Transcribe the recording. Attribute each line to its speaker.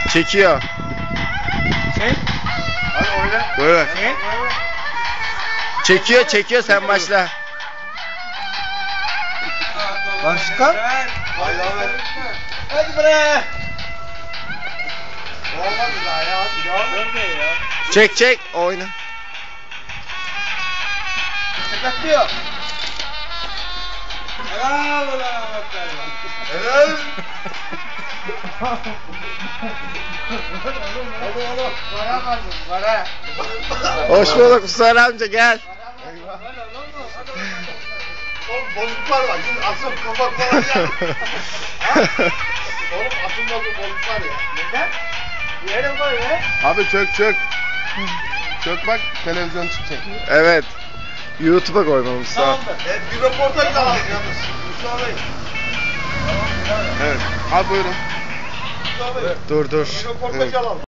Speaker 1: Çekiyor.
Speaker 2: Çek.
Speaker 3: Hadi oyna.
Speaker 1: Böyle.
Speaker 2: Çek.
Speaker 1: Çekiyor sen başla.
Speaker 2: Başka?
Speaker 3: Haydi Ahmet.
Speaker 2: Hadi bre.
Speaker 3: Olmadı daha ya. Hadi ya.
Speaker 1: Çek oyna.
Speaker 2: Sakatlıyor. Helal ulan Ahmet Bey.
Speaker 3: Helal.
Speaker 2: Hadi oğlum. Para kazın para.
Speaker 1: Hoş bulduk Mustafa amca gel.
Speaker 3: Oğlum bozuklar var. Şimdi asıl kafa falan ya. Oğlum asılmadı bozuklar ya.
Speaker 2: Neden? Yerim koy be.
Speaker 3: Abi çök. Çök bak televizyon çıkacak.
Speaker 1: Evet. YouTube'a koymam Mustafa.
Speaker 2: Tamam mı?
Speaker 3: Bir röportaj alalım yalnız. Mustafa Bey. Evet. Abi buyurun. Mustafa Bey.
Speaker 1: Dur.
Speaker 3: Bir röportaj alalım.